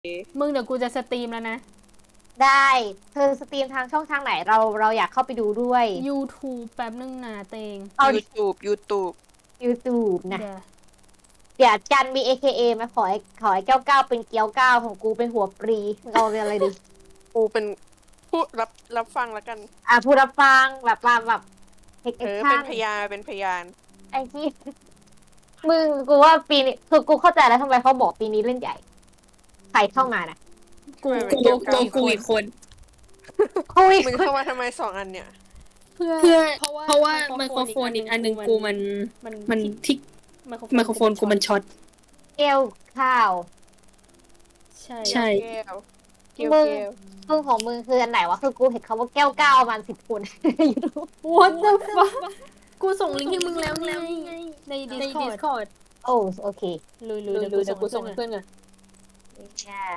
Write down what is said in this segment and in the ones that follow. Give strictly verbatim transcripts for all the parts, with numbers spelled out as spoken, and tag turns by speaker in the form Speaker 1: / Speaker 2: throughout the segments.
Speaker 1: มึงเดี๋ยวกูจะสตรีมแล้วนะ
Speaker 2: ได้เธอสตรีมทางช่องทางไหนเราเราอยากเข้าไปดูด้วย
Speaker 1: YouTube แป๊บนึงนะเตง
Speaker 2: เอา
Speaker 3: YouTube YouTube
Speaker 2: YouTube นะ
Speaker 1: เดี๋ยว
Speaker 2: เดี๋ยวจันมี เอ เค เอ มาขอให้ขอให้เก้าเก้าเป็นเกี้ยวเก้าของกูเป็นหัวปรีเราเรียนอะไรดี
Speaker 3: กูเป็นผู้รับรับฟังแล้วกัน
Speaker 2: อ่ะผู้รับฟังแบบมาแบบเทค
Speaker 3: เอ
Speaker 2: แอค
Speaker 3: อ
Speaker 2: ชั่
Speaker 3: เป็น นพยานเป็นพยาน
Speaker 2: ไอ้ที่มึงกูว่าปีนี้คือกูเข้าใจแล้วทำไมเขาบอกปีนี้เล่นใหญ่ใครเข้ามานะ
Speaker 1: กู
Speaker 3: ไม่
Speaker 1: กู
Speaker 3: เป็น
Speaker 1: กู
Speaker 3: เกี่ยวกับ
Speaker 1: กูอีกคน
Speaker 2: คุย
Speaker 3: มึงเข้ามาทำไมสองอันเนี่ย
Speaker 1: เพื่อ
Speaker 4: เพื่อ
Speaker 1: เพราะว่า
Speaker 4: เพราะว่า
Speaker 1: ไม
Speaker 4: ไม
Speaker 1: โค
Speaker 4: โค
Speaker 1: ร
Speaker 4: ร
Speaker 1: โฟ
Speaker 4: โฟ
Speaker 1: น
Speaker 4: น
Speaker 1: อี
Speaker 4: อี
Speaker 1: ก
Speaker 4: ก
Speaker 1: อั
Speaker 4: อั
Speaker 1: น
Speaker 4: น
Speaker 1: ห
Speaker 4: ห
Speaker 1: นึ่
Speaker 4: นึ่
Speaker 1: ง
Speaker 4: ง
Speaker 1: กู
Speaker 4: กู
Speaker 1: มั
Speaker 4: มัน น
Speaker 1: มัน
Speaker 4: มันที่ไมโครโฟนกูมันช็อต
Speaker 2: เกลข้าว
Speaker 1: ใช่
Speaker 4: ใช่
Speaker 3: แก้วเกี่ยว
Speaker 2: มึง
Speaker 3: แก้ว
Speaker 2: มึงของมึงคืออันไหนวะคือกูเห็นเขาว่าแก้วเก้าประมาณสิบคน ยูทูบ
Speaker 1: What the fuck กูส่งลิงก์ให้มึงแล้วไงใน
Speaker 4: ใน
Speaker 1: Discord
Speaker 4: Discord
Speaker 2: โอ้โอเค
Speaker 1: ลุยๆ
Speaker 4: ดู
Speaker 1: เดี๋ยว
Speaker 4: ดู
Speaker 1: กู
Speaker 4: เดี๋ยวกู
Speaker 1: ส่
Speaker 4: ส่
Speaker 1: ง
Speaker 4: ง
Speaker 1: ให้
Speaker 4: ให้
Speaker 1: เพื่
Speaker 4: เพื่
Speaker 1: อ
Speaker 4: อน น
Speaker 1: ก่อน
Speaker 4: ก่อน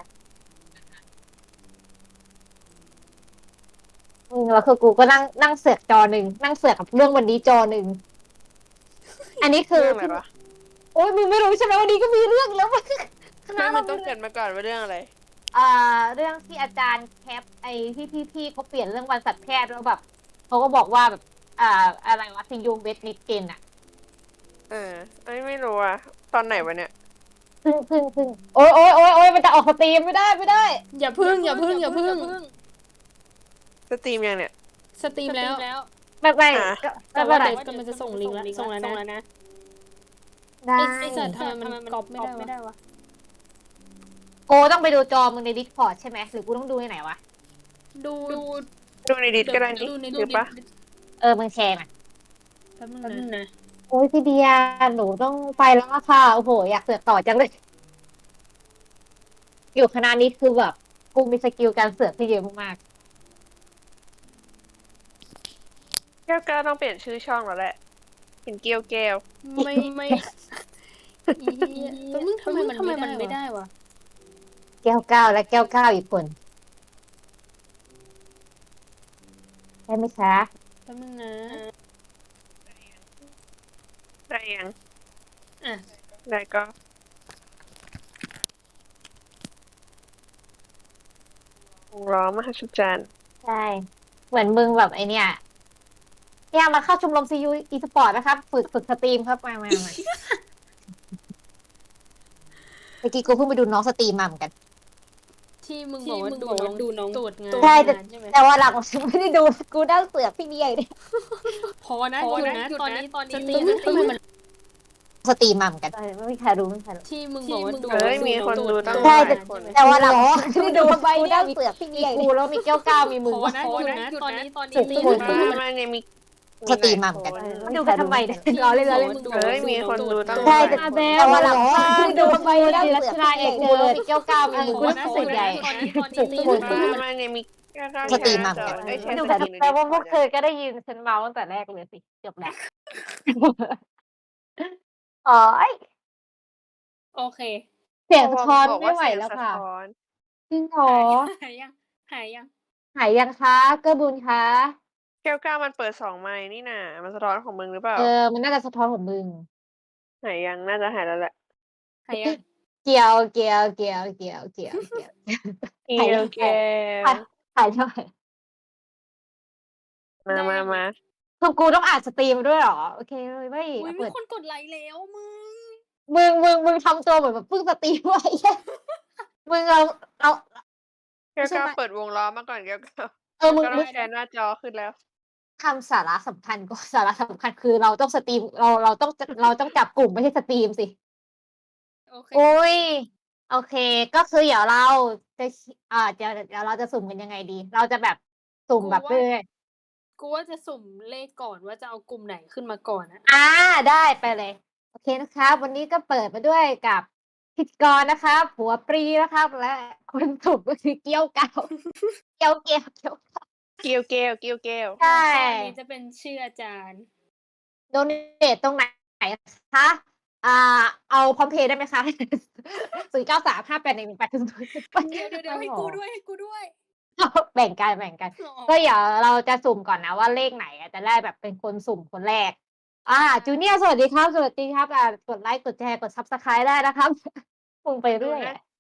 Speaker 2: มึงแล้วคือกูก็นั่งนั่งเสือกจอหนึ่งนั่งเสือกกับเรื่องวันนี้จอหนึ่งอันนี้คือ
Speaker 3: เรื่องอะไรวะ
Speaker 2: โอ้ยมึงไม่รู้ใช่ไหมวันนี้ก็มีเรื่องแล้ว คณะ
Speaker 3: ไม่มั
Speaker 2: เรา
Speaker 3: นต้องเกริดมาก่อนว่าเรื่องอะไร
Speaker 2: อ่าเรื่องที่อาจารย์แคปไอ้ที่พี่ๆเขาเปลี่ยนเรื่องวันสัตวแพทย์แล้วแบบเขาก็บอกว่าแบบอ่าอะไรวะซิงยูเวสนิดเกนอะ
Speaker 3: เออไอ้ไม่รู้อะตอนไหนวะเนี่ย
Speaker 2: พึ่งพึ่งพึ่งโอ้ยโอ้ยโอ้ยโอ้ยมันจะออกสตรีมไม่ได้ไม่ได้
Speaker 1: อย่าพึ่งอย่าพึ่งอย่าพึ่ง
Speaker 3: สตรีมยังเนี่ย
Speaker 1: สตรีมแล้ว
Speaker 2: ไม่ไม่
Speaker 3: อ่ะ
Speaker 2: ก็
Speaker 1: แต่
Speaker 2: ไม่
Speaker 1: ว่า
Speaker 2: เป็นไร
Speaker 1: เดี๋ยวกำลังจะส่งลิงก์แล้วส่งแล้วนะ
Speaker 2: ได้
Speaker 1: ไอ้สัตว์ทำไมมันก๊อปไม่ได้วะ
Speaker 2: โกต้องไปดูจอมึงในดิสคอร์ดใช่ไหมหรือกูต้องดูที่ไหนวะ
Speaker 1: ดูดู
Speaker 3: ดูในดิสก็ได้นี่
Speaker 1: ดูใน
Speaker 3: หรือปะ
Speaker 2: เออมึงแชร์มา
Speaker 1: แป๊บนึง
Speaker 4: แป๊บนึง
Speaker 1: นะ
Speaker 4: นะ
Speaker 2: โอ้ยพี่เดียหนูต้องไปแล้วอะค่ะโอ้โหอยากเสือกต่อจังเลย อยู่คณะนี้คือแบบกูมีสกิลการเสือกที่เยอะมาก
Speaker 3: แก้วแก้วต้องเปลี่ยนชื่อช่องแล้วแหละ เป็นเกียวแก้ว
Speaker 1: ไม่ไม่อีเหี้ยแป๊บนึงทำไมมัน
Speaker 4: ทำไมมัน
Speaker 1: ไม่
Speaker 4: ไม่
Speaker 1: ได้
Speaker 4: ได้
Speaker 1: วะ
Speaker 4: วะ
Speaker 2: ๆแก้วเก้าและแก้วเก้าอีกคนได้ไหมคะ
Speaker 1: แป๊บนึงนะ
Speaker 3: ได้ยัง
Speaker 1: อ่ะ
Speaker 3: ได้ก็ร้อมหัศจรรย์
Speaker 2: ใช่เหมือนมึงแบบไอเนี้ยเนี่ยมาเข้าชมรมซียูอีสปอร์ตนะครับ ฝึกฝึกสตรีมครับมามามาเมื่อกี้กูเพิ่งไปดูน้องสตรีมมาเหมือนกัน
Speaker 1: ที่มึง
Speaker 4: ที่
Speaker 1: บอกว่า
Speaker 4: มึง
Speaker 1: ดู
Speaker 4: บอก
Speaker 1: น้อ
Speaker 4: ว่าง ดูน้อง
Speaker 1: ตรวจงาน
Speaker 2: ใช่แต่
Speaker 1: ใช่ไหม
Speaker 2: แต่ว่าหลังไม่ได้ดูกูนั่งเสือกพี่เดียเนี่ย
Speaker 1: พอนะ
Speaker 4: พ
Speaker 1: ห
Speaker 4: อ
Speaker 1: ยุด
Speaker 4: นะ
Speaker 1: นะ
Speaker 4: หยุด
Speaker 1: ตอน
Speaker 4: นะ
Speaker 1: นี้ตอนนี้
Speaker 4: ส
Speaker 1: ส
Speaker 4: ต
Speaker 1: ต
Speaker 4: รี
Speaker 1: รี
Speaker 4: ม
Speaker 1: ม
Speaker 4: ทำไมมัน
Speaker 2: สตรีมมาเหมือนกันไม่มีใครรู้ไม่มีใครรู้
Speaker 1: ที่มึง
Speaker 4: ที่
Speaker 1: บอกว่า
Speaker 4: มึง
Speaker 1: ดู
Speaker 3: เฮ้ยมีคนดูตั้ง
Speaker 2: ใช่
Speaker 3: หลายคน
Speaker 2: แต่ว่าหลังไม่ได้ดูกูนั่งเสือกพี่เดียกูแล้วมีแก้วเก้ามีมึง
Speaker 1: พอนะ
Speaker 4: พอ
Speaker 1: หยุด
Speaker 4: นะ
Speaker 1: นะ
Speaker 4: หยุด
Speaker 1: ตอน
Speaker 4: นะ
Speaker 1: นี้ตอนนี้
Speaker 2: สุด
Speaker 1: รีบ
Speaker 2: คน
Speaker 1: ดู
Speaker 3: มาเนี่ยมี
Speaker 2: สตรีมมาเหมือนกัน
Speaker 3: หลยค
Speaker 2: ดูกันทำไมเนี่ยรอเล่นรอเล่น
Speaker 3: เฮ้ยมีคนดูตั้งห
Speaker 2: ใช่
Speaker 3: ลาย
Speaker 2: แต่
Speaker 3: คน
Speaker 2: แต่ว่าหลังดูทำไมนั่งเสือกพี่เดียกูแล้วมีแก้วเก้ามีมึง
Speaker 1: พ
Speaker 2: กู
Speaker 1: อ
Speaker 2: นั่
Speaker 1: นะ
Speaker 2: งเสือกใหญ่
Speaker 1: ตอนนี้ตอน
Speaker 2: สุ
Speaker 1: นี้
Speaker 2: ด
Speaker 1: รี
Speaker 2: คน
Speaker 1: บ
Speaker 3: มามาเนี่ยมี
Speaker 2: สตรีมมาเหมือนกัน
Speaker 3: เอ้ยแชร์
Speaker 2: ดู
Speaker 3: ส
Speaker 2: แต่
Speaker 3: ตรีมใน
Speaker 2: แต่ว่าพวก
Speaker 3: Discord
Speaker 2: เธอก็ได้ยินฉันเมาตั้งแต่แรกเลยสิเกือบแล้วอ๋อ
Speaker 4: โอเค
Speaker 2: เสียงสะท้อน
Speaker 3: บอก
Speaker 2: ไม่
Speaker 3: ว่า
Speaker 2: ไหว
Speaker 3: เสียง
Speaker 2: แล้ว
Speaker 3: สะ
Speaker 2: ค่ะ
Speaker 3: ท้อน
Speaker 2: จริงเหรอ
Speaker 4: หายยังหายยัง
Speaker 2: หายยังคะเกื้อบุญคะ
Speaker 3: แก้วก้ามันเปิดสองไมค์นี่น่ะมันสะท้อนของมึงหรือเปล่า
Speaker 2: เออมันน่าจะสะท้อนของมึง
Speaker 3: หายยังน่าจะหายแล้วแหละ
Speaker 4: หายยัง
Speaker 2: เกี่ยวเกี่ยวเกี่ยวเกี่ยวเกี่ยวเกี่ยว
Speaker 3: เกียวแก้ว
Speaker 2: หายเท่าไหร่
Speaker 3: มามามา
Speaker 2: คือกูต้องอ่านสตรีมด้วยเหรอโอเคเลยไม่
Speaker 4: อุ้ยมี
Speaker 2: เปิด
Speaker 4: คนกดไลค์แล้วมึง
Speaker 2: มึงมึงมึงทำตัวเหมือนแบบเพิ่งสตรีมไว้ มึงเราเรา
Speaker 3: แก้ว
Speaker 2: ใช่
Speaker 3: ก้า
Speaker 2: ไหม
Speaker 3: เปิดวงล้อมาก่อนแก้วก้า
Speaker 2: เออมึง
Speaker 3: ก็ต้
Speaker 2: มึ
Speaker 3: อง
Speaker 2: ง
Speaker 3: แชร์หน้าจอขึ้นแล้ว
Speaker 2: ทำสาระสำคัญก็สาระสำคัญคือเราต้องสตรีมเราเราต้องเราต้องจับกลุ่มไม่ใช่สตรีมสิ
Speaker 4: โอเค
Speaker 2: โอ้ยโอเค ก็คือเดี๋ยวเราจะอ่าจะเดี๋ยวเราจะสุ่มกันยังไงดี เราจะแบบสุ่มแบบเรื่อย
Speaker 4: กูว่าจะสุ่มเลขก่อนว่าจะเอากลุ่มไหนขึ้นมาก่อนอะ
Speaker 2: อ่าได้ไปเลย โอเคนะครับ วันนี้ก็เปิดมาด้วยกับพิธีกรนะครับหัวปรีนะครับ และคนสุ่มก็คือเกี้ยวเกาเกี้ยวเกี้ยวเกี้ยว
Speaker 3: เกียวแก้วเกียวแก้ว
Speaker 2: ใช่
Speaker 4: แล้วก็อันนี้จะเป็นชื่ออาจารย์
Speaker 2: โดเนทตรงไหนคะอ่า เอาพร้อมเพย์ได้ไหมคะ ศูนย์เก้าสามห้าแปดหนึ่งแปดศูนย์
Speaker 4: เดี๋ยวเดี๋ยวเดี๋ยวให้กูด้วยให้กูด้วย
Speaker 2: แบ่งกันแบ่งกัน
Speaker 4: อ๋อ
Speaker 2: ก็เดี๋ยวเราจะสุ่มก่อนนะว่าเลขไหนอ่ะจะได้แบบเป็นคนสุ่มคนแรก อ่าจูเนียร์สวัสดีครับ สวัสดีครับอ่ากดไลค์กดแชร์กดซับสไครต์ได้นะครับ มึงไปเรื่อยอะ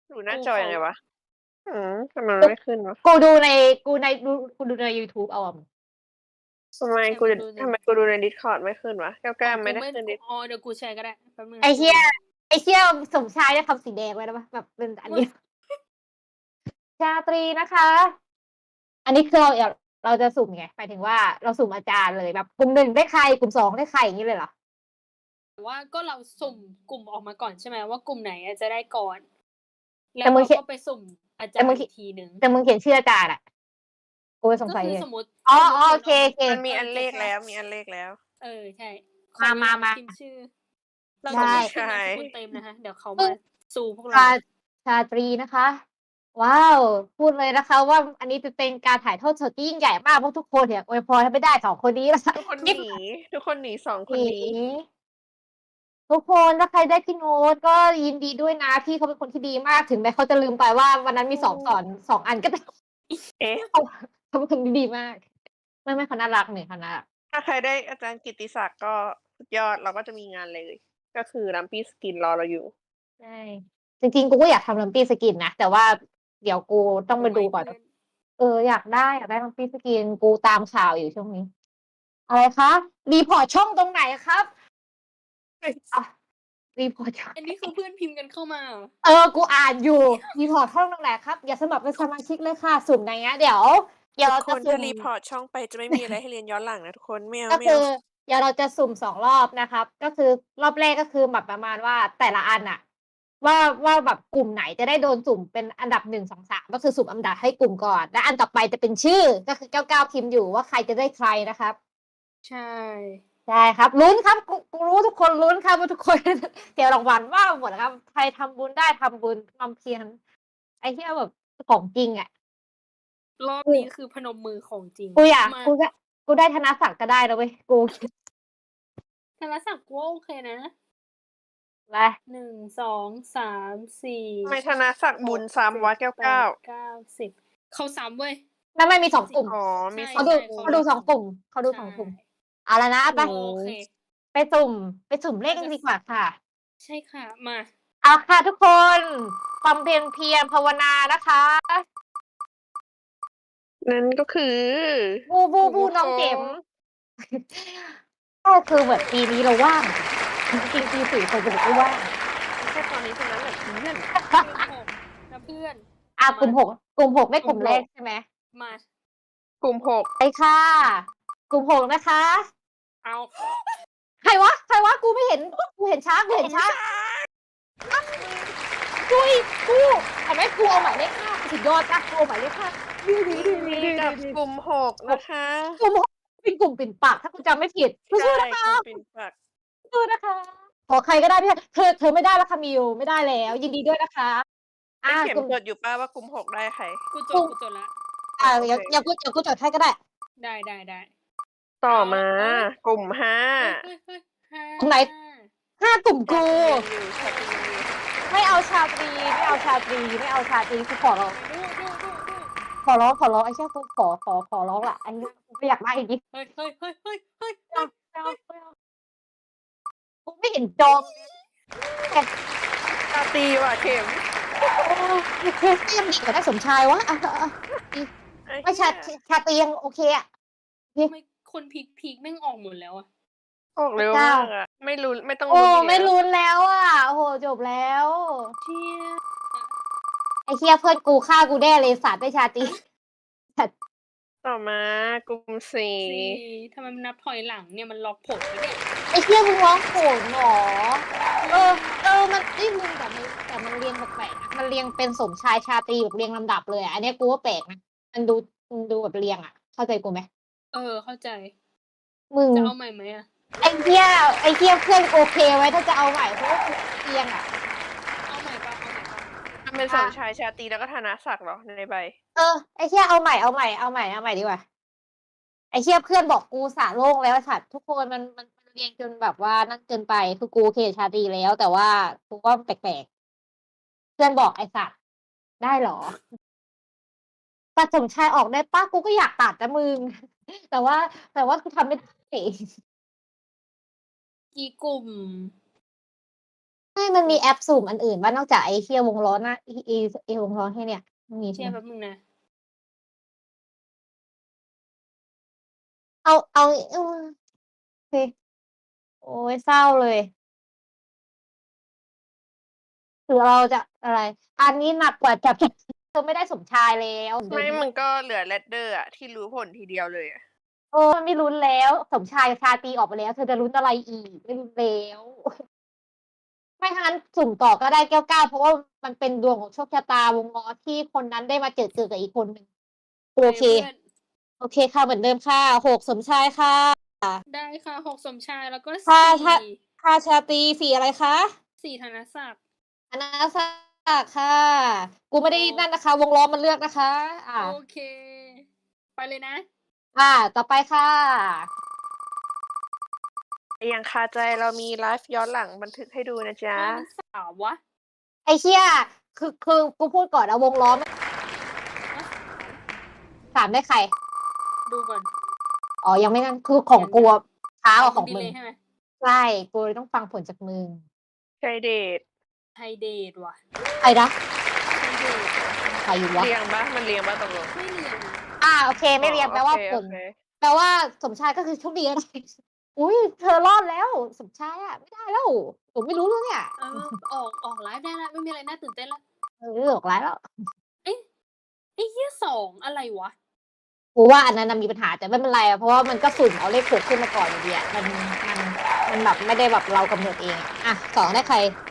Speaker 3: ดูหน้าจอยังไงวะอืมทำไมมัน
Speaker 2: กู
Speaker 3: ไม่ขึ้นวะ
Speaker 2: กูดูในกูในดูกูดูใน YouTube เอาอะมึง
Speaker 3: ทำไม
Speaker 4: แชร์
Speaker 3: กู
Speaker 4: มา
Speaker 3: จะ
Speaker 4: ดูสิ
Speaker 3: ทำไมกูดูใน Discord ไม่ขึ้นวะแก้ว
Speaker 4: อ๋อ
Speaker 3: ๆไม่
Speaker 4: กู
Speaker 3: ได้
Speaker 4: ไม่
Speaker 3: ขึ้น
Speaker 4: กู
Speaker 3: ดิ
Speaker 4: อ๋อ เดี๋ยวกูแชร์ก็ได้ แป๊บนึง
Speaker 2: ไอ้
Speaker 4: นะ
Speaker 2: เหี้ย
Speaker 4: กู
Speaker 2: ไอ้เหี้ย สมชายเนี่ยทำสีแดงไว้ได้ปะ แบบเป็นอันเดียว ชาตรีนะคะ อันนี้คือเรา อยาก เราจะสุ่มไง หมายถึงว่าเราสุ่มอาจารย์เลย แบบกลุ่ม หนึ่ง ได้ใคร กลุ่ม สอง ได้ใคร อย่างงี้เลยเหรอ?
Speaker 4: แต่ว่าก็เราสุ่มกลุ่มออกมาก่อนใช่ไหมว่ากลุ่มไหนอะจะได้ก่อน แล้
Speaker 2: แต่
Speaker 4: ว
Speaker 2: มึ
Speaker 4: เรง า
Speaker 2: เขียน
Speaker 4: ก็ไปสุ่มอาจา
Speaker 2: แต่
Speaker 4: ร
Speaker 2: มึง
Speaker 4: ย์
Speaker 2: ข
Speaker 4: อีกทีหนึ่ง
Speaker 2: แต่มึงเขียนชื่ออาจารย์อะ กูเลยสง
Speaker 4: ก็
Speaker 2: สัย
Speaker 4: คือ
Speaker 2: เลย
Speaker 4: สมมุติ
Speaker 2: อ๋อ
Speaker 4: สมมุติ
Speaker 2: ๆ โอ
Speaker 4: เขียน
Speaker 2: เค
Speaker 4: ออกมา
Speaker 2: ๆ
Speaker 3: มันมีอันเลข
Speaker 4: เออ
Speaker 3: แล้ว มีอันเลขแล้ว
Speaker 4: เออ ใช่ ขอ
Speaker 2: มา
Speaker 4: เวลา
Speaker 2: มา
Speaker 4: พิมพ์ชื่อ
Speaker 2: ๆ
Speaker 4: เรา
Speaker 2: ได
Speaker 4: จะไม่
Speaker 2: ้
Speaker 4: พิมพ์
Speaker 3: ใช่
Speaker 4: นามสกุลเต็มนะคะ เดี๋ยวเขา
Speaker 2: ปึ้
Speaker 4: มาง ซูพวก
Speaker 2: ชา
Speaker 4: เรา
Speaker 2: ชาตรีนะคะ ว้าว พูดเลยนะคะว่า อันนี้จะเป็นการถ่ายทอดสดที่ยิ่งใหญ่มาก เพราะทุกคนเนี่ยอวยพรให้ไม่ได้ สอง คนนี้ นะคะ
Speaker 3: ทุกคน
Speaker 2: นิ
Speaker 3: หนี ทุกคนหนี สอง ค
Speaker 2: ห
Speaker 3: น
Speaker 2: นี
Speaker 3: นี้
Speaker 2: ทุกคน ถ้าใครได้พี่โน้ตก็ยินดีด้วยนะ พี่เขาเป็นคนที่ดีมาก ถึงแม้เขาจะลืมไปว่าวันนั้นมีสอบ
Speaker 3: อืม
Speaker 2: สอน สอง อัน ก็ ตาม
Speaker 3: เอ๊ะ
Speaker 2: เขา เขาเป็นคนที่ดีมาก ไม่ ๆ เขาน่ารักนี่ เขาน่ารัก
Speaker 3: ถ้าใครได้อาจารย์กิตติศักดิ์ก็สุดยอด เราก็จะมีงานเลย ก็คือ Lumpy Skin รอเราอยู่
Speaker 2: ใช่ จริง ๆ กูก็อยากทำ Lumpy Skin นะ แต่ว่าเดี๋ยวกูต้อง
Speaker 4: เอา
Speaker 2: ไป
Speaker 4: ไว้
Speaker 2: ดู
Speaker 4: เ
Speaker 2: ก่
Speaker 4: พ
Speaker 2: อน
Speaker 4: ื่อน
Speaker 2: เออ อยากได้ อยากได้ Lumpy Skin กูตามข่าวอยู่ช่วงนี้ อะไรคะ รีพอร์ตช่องตรงไหนครับ? อะ รีพอร์ตช่อง
Speaker 4: อันนี้คือเพื่อนพิมพ์กันเข้ามาเหรอ?
Speaker 2: เออ กูอ่านอยู่ รีพอร์ตช่องตรงไหนครับ? อย่าสมัครเป็นสมาชิกเลยค่ะ สุ่มในเนี้ย เดี๋ยว เดี๋ยว
Speaker 3: ทุ
Speaker 2: เรา
Speaker 3: กค
Speaker 2: จะ
Speaker 3: น
Speaker 2: สุ
Speaker 3: ถ้า
Speaker 2: ่ม
Speaker 3: รีพอร์ตช่องไปจะไม่มีอะไรให้เรียนย้อนหลังนะทุกคน ไม่เอ
Speaker 2: ก็
Speaker 3: า ไม่
Speaker 2: คื
Speaker 3: เอา
Speaker 2: อ เดี๋ยวเราจะสุ่ม สอง รอบนะครับ ก็คือรอบแรก ก็คือแบบประมาณว่าแต่ละอันน่ะ ว่า ว่าแบบกลุ่มไหนจะได้โดนสุ่มเป็นอันดับ หนึ่ง สอง สาม ก็คือสุ่มอันดับให้กลุ่มก่อน และอันต่อไปจะเป็นชื่อ ก็คือ เก้าเก้า พิมพ์อยู่ว่าใครจะได้ใครนะครับ
Speaker 4: ใช่
Speaker 2: ใช่ครับ ลุ้นครับ กู กูรู้ว่าทุกคนลุ้นครับว่าทุก คน เสียรางวัลว่าหมดอะครับ ใครทำบุญได้ทำบุญ ความเพียร ไอ้เหี้ย แบบของจริงอะ
Speaker 4: รอบ
Speaker 2: กู
Speaker 4: นี้คือพนมมือของจริง
Speaker 2: กูอยาก
Speaker 4: มา
Speaker 2: กูก็ กูได้ธนศักดิ์ก็ได้นะเว้ย กู
Speaker 4: ธนศักดิ์กูว่าโอเคนะ
Speaker 2: ไป
Speaker 4: หนึ่ง สอง สาม สี่
Speaker 3: ทำไมธนศักดิ์บุญซ้ำวะ แก้ว
Speaker 4: แปด เก้า สิบ เขาซ้ำเว้ย
Speaker 2: ไม่ ไม่ มี สอง กลุ่ม
Speaker 3: อ๋อ มี
Speaker 4: ใช่
Speaker 3: ส
Speaker 2: เขา
Speaker 3: อง
Speaker 2: ดู
Speaker 3: กลุ่
Speaker 2: เขา
Speaker 3: ม
Speaker 2: ดู สอง กลุ่ม เขาดู
Speaker 4: ใช่
Speaker 2: สอง กลุ่ม เอาแล้วนะ ไป
Speaker 3: โอ้
Speaker 4: โอเค
Speaker 2: ไปสุ่ม ไปสุ่มเลขกันดีกว่าค่ะ
Speaker 4: ใช่ค่ะ มา
Speaker 2: เอาค่ะทุกคน บำเพ็ญเพียรภาวนานะคะ
Speaker 3: นั่นก็คือ
Speaker 2: บู บู บู น้องเข็ม ก็คือแบบปีนี้เราว่าง จริง ๆ ปี สี่ ปกติก็ว่าง
Speaker 3: แค่ตอนนี้เท่านั้นแหละเพื่อน
Speaker 4: กลุ่ม หก นะเพื่อน
Speaker 2: อ่า
Speaker 4: มาก
Speaker 2: ลุ่ม หก กลุ่ม หก ไม่
Speaker 3: ก
Speaker 2: ก
Speaker 3: ลุ่
Speaker 2: ลุ่
Speaker 3: ม
Speaker 2: มแร
Speaker 3: ห
Speaker 2: ก
Speaker 3: ก
Speaker 2: ใช่ไหม?
Speaker 4: มา
Speaker 3: กลุ่ม หก
Speaker 2: ไปค่ะ กลุ่ม หก นะคะ
Speaker 4: เอา
Speaker 2: ใครวะ ใครวะ กูไม่เห็น กูเห็นช้า กูเห็นช้า อ้าว กูอีก กู เห็นไหม กูเอาหมายเลข ห้า สุดยอดนะ กูเอาหมายเลข ห้า ดี
Speaker 3: ยินดี
Speaker 2: ๆ
Speaker 3: กับ
Speaker 2: ๆ ๆ ๆ
Speaker 3: กลุ่ม หก นะคะ
Speaker 2: กลุ่ม หก เป็นกลุ่มปิ่นปาก ถ้ากูจำไม่ผิด
Speaker 3: ใช่
Speaker 2: สู้ๆ นะค
Speaker 3: กลุ่
Speaker 2: ะ
Speaker 3: มปิ่นปาก
Speaker 2: สู้ ๆ นะคะ ขอใครก็ได้ที่ เธอ เธอไม่ได้แล้วค่ะมิว ไม่ได้แล้ว ยินดีด้วยนะคะ
Speaker 3: ไอ้
Speaker 2: อา
Speaker 3: เข็ม
Speaker 2: กลุ่ม
Speaker 3: จดอยู่เปล่าว่ากลุ่ม หก ได้ใคร?
Speaker 4: กูจ
Speaker 2: กลุ่
Speaker 4: ด
Speaker 2: ม
Speaker 4: กูจดแล้ว
Speaker 2: อ่า
Speaker 3: อ๋อ โอ
Speaker 2: เดี๋ยว
Speaker 3: เค
Speaker 2: เดี๋ยวกู เดี๋ยวกูจดให้ก็ได้
Speaker 4: ได้ ๆ ๆ
Speaker 3: ต่อ
Speaker 4: เอา
Speaker 3: มา
Speaker 4: เฮ้ย
Speaker 3: กลุ่ม ห้า
Speaker 4: เฮ้ย ๆ ๆ ห้า
Speaker 2: กลุ่มไหน ห้า กลุ่ม
Speaker 3: ชา
Speaker 2: กู
Speaker 3: ตรียังอยู่ ชาตรียังอยู่
Speaker 2: ไม่เอาชาตรี ไม่เอาชาตรี ไม่เอาชาตรี กูขอร้อง
Speaker 4: ไปดู ๆ ๆ
Speaker 2: ขอร้อง ขอร้อง ไอ้เหี้ย กูขอ ขอ ขอร้องล่ะ ไอ้เหี้ย กูไม่อยากได้จริง
Speaker 4: ๆ เฮ้ย ๆ ๆ ๆ ๆ
Speaker 2: ไม่เอา ไม่เอา ไม่เอา กูไม่เห็นจอง แต่
Speaker 3: ชาตรีว่ะเข็ม
Speaker 2: เออ โอเค ก็ยังดีกว่าได้สมชายวะ อะ ๆ ๆ ดี
Speaker 3: ไอ้
Speaker 2: ไม่
Speaker 3: เหี้
Speaker 2: ชา
Speaker 3: ย
Speaker 2: ช ชาตรียังโอเคอะ โอเค
Speaker 4: ทำไมคนพีก ๆ แม่งออกหมดแล้วอะ?
Speaker 3: ออก
Speaker 2: พ
Speaker 3: เร็ว
Speaker 2: เจ้า
Speaker 3: มากอะ ไม่ลุ้น ไม่ต้อง
Speaker 2: โอ้
Speaker 3: ลุ้นอีก
Speaker 2: ไม่
Speaker 3: แล้ว
Speaker 2: ลุ้นแล้วอะ โอ้โฮ จบแล้ว
Speaker 4: เชี่ย
Speaker 2: ไอ้เหี้ย เพื่อนกูฆ่ากูแน่เลย สัตว์ ได้ชาตรี สัตว์
Speaker 3: ต่อมา กลุ่ม สี่
Speaker 4: สี่ ทำไมมันนับถอยหลังเนี่ย มันล็อกผลปะเนี่ย?
Speaker 2: ไอ้เหี้ย มึงร้องโผนเหรอ? เออ เออ มัน เฮ้ย มึง แต่มัน แต่มันเรียงแปลกๆนะ มันเรียงเป็นสมชาย ชาตรีแบบเรียงลำดับเลยอะ อันเนี้ยกูว่าแปลกนะ มันดู มันดูแบบเรียงอะ เข้าใจกูไหม?
Speaker 4: เออ เข้าใจ
Speaker 2: มึง
Speaker 4: จะเอาใหม่ไหมอะ?
Speaker 2: ไอ้เหี้ย ไอ้เหี้ย เพื่อนโอเคไหม ถ้าจะเอาใหม่ เพราะว่ากูเรียงอะ
Speaker 4: เอาใหม่เปล่า เอาใหม่เปล่า?
Speaker 3: มันเป็น
Speaker 2: อ
Speaker 3: ส
Speaker 2: ะ
Speaker 3: มชาย ชาตรี แล้วก็ธนศักดิ์เหรอ ในใบ?
Speaker 2: เออ ไอ้เหี้ย เอาใหม่ เอาใหม่ เอาใหม่ เอาใหม่ดีกว่า ไอ้เหี้ย เพื่อนบอกกูอุตส่าห์โล่งแล้วไอ้สัตว์ ทุกคนมัน มัน มันเรียงจนแบบว่านั่นเกินไป คือกูโอเคกับชาตรีแล้ว แต่ว่ากูว่าแปลก ๆ เพื่อนบอก "ไอ้สัตว์ ได้เหรอ?" ตัดสมชายออกได้เปล่า? กูก็อยากตัดนะมึง แต่ว่า แต่ว่ากูทำไม่ ได้
Speaker 4: กี่กลุ่ม?
Speaker 2: ไม่มันมีแอปสุ่มอันอื่นว่านอกจากไอ้เฮียวงล้อนะไอ้ไอ้ไอ้วงล้อให้เนี่ยไม่มี
Speaker 4: เชี
Speaker 2: ใช่
Speaker 4: ย
Speaker 2: ไหม
Speaker 4: แป๊บนึงนะ
Speaker 2: เอาเอาเออโอเคโอ้ยเศร้าเลยหรือเราจะอะไร อันนี้หนักกว่าจับเธอไม่ได้สมชายแล้วเดี๋ยว
Speaker 3: ไม่
Speaker 2: นี้
Speaker 3: มันก็เหลือแรดเดอร์อะที่รู้ผลทีเดียวเลยอะ
Speaker 2: โอ้ไม่ลุ้นแล้ว สมชายชาตรีออกไปแล้ว เธอจะลุ้นอะไรอีกไม่ลุ้นแล้ว ไม่ทันสุ่มต่อก็ได้แก้วเก้าเพราะว่ามันเป็นดวงของโชคชะตาวงล้อที่คนนั้นได้มาเจอเจอกับอีกคนหนึ่งโอเค
Speaker 4: พื่อน
Speaker 2: โอเคค่ะเหมือนเดิมค่ะหกสมชายค่ะ
Speaker 4: ได้ค่ะหกสมชายแล้วก็
Speaker 2: ค่ะ
Speaker 4: สี่
Speaker 2: ค่ะ ค่ะชาตรีสีอะไรคะ
Speaker 4: สี่ธนศักดิ์
Speaker 2: อนาศักดิ์ค่ะ กูไม่ได้
Speaker 4: โอ้
Speaker 2: นั่นนะคะ วงล้อมันเลือกนะคะ อ่า
Speaker 4: โอเค ไปเลยนะ
Speaker 2: อ่า ต่อไปค่ะ
Speaker 3: อย่างคาใจเรามีไลฟ์ย้อนหลังบันทึกให้ดูนะจ๊ะ
Speaker 4: ทำไมมันสาววะ
Speaker 2: ไอ้เชี่ยคือคือกูพูดก่อนนะวงล้อมันสามได้ใคร
Speaker 4: ดูก่อน
Speaker 2: อ๋อ ยังไม่นั่นคือของกูอะช้ากว่าของ
Speaker 4: ดี
Speaker 2: มึ
Speaker 4: เล
Speaker 2: ง
Speaker 4: ยใช่ไหม
Speaker 2: ใช่กูเลยต้องฟังผลจากมึง
Speaker 3: ใช่เดท
Speaker 4: ไทยเดทว่ะ
Speaker 2: ใครนะ
Speaker 4: ไทยเดท
Speaker 2: ใครอยู่วะ
Speaker 3: เรียงปะมันเรียงปะตกลง
Speaker 4: ไม่เรียนนะ
Speaker 2: อ่าโอเค ไม่เรียนแปลว่า
Speaker 3: อ๋อ
Speaker 2: ผ
Speaker 3: โอ
Speaker 2: ล
Speaker 3: เค
Speaker 2: แปลว่าสมชายก็คือโชคดีนะ อุ้ยเธอรอดแล้ว สมชายอ่ะ ไม่ได้แล้วผมไม่รู้แล้วเนี่ย
Speaker 4: เออออกออกไลฟ์ได้แล้วไม่มีอะไรน่าตื่นเต้นแล้ว
Speaker 2: เออหลอกร้ายแล้ว
Speaker 4: เอ๊ะไอ้เหี้ยสองอะไรวะ
Speaker 2: กูว่าอันนั้นนะมีปัญหาแต่ไม่เป็นไรอะเพราะว่ามันก็สุ่มเอาเลขหกขึ้นมาก่อนอยู่ดีอะมันมันมันแบบไม่ได้แบบเรากำหนดเองอะอ่ะสองได้ใคร